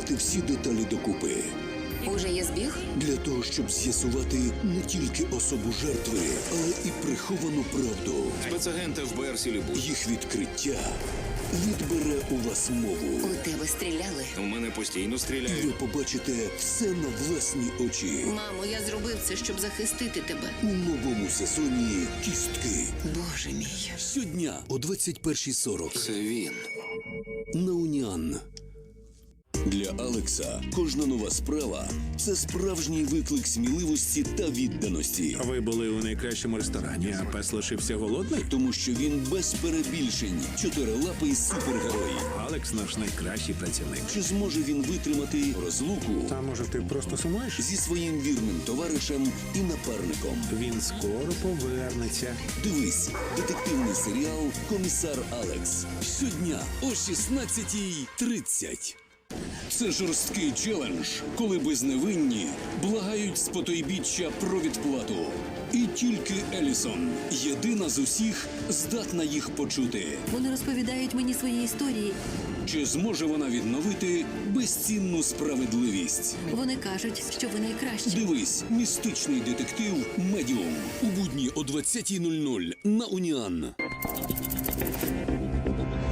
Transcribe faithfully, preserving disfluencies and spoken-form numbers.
зібрати всі деталі докупи. Уже є збіг? Для того, щоб з'ясувати не тільки особу жертви, але і приховану правду. Спецагенти в БР Сілібу. Їх відкриття відбере у вас мову. У тебе стріляли? У мене постійно І ви стріляють. побачите все на власні очі. Мамо, я зробив це, щоб захистити тебе. У новому сезоні «Кістки». Боже мій. Щодня о двадцять першій сорок Це він. на Уніан. Для Алекса кожна нова справа – це справжній виклик сміливості та відданості. Ви були у найкращому ресторані, а пес лишився голодний? Тому що він без перебільшень чотирилапий супергерой. Алекс наш найкращий працівник. Чи зможе він витримати розлуку А може ти просто сумуєш? зі своїм вірним товаришем і напарником? Він скоро повернеться. Дивись детективний серіал «Комісар Алекс» щодня о шістнадцятій тридцять. Це жорсткий челендж, коли безневинні благають з потойбіччя про відплату. І тільки Елісон, єдина з усіх, здатна їх почути. Вони розповідають мені свої історії. Чи зможе вона відновити безцінну справедливість? Вони кажуть, що ви найкращі. Дивись містичний детектив «Медіум» у будні о двадцятій нуль нуль на Уніан.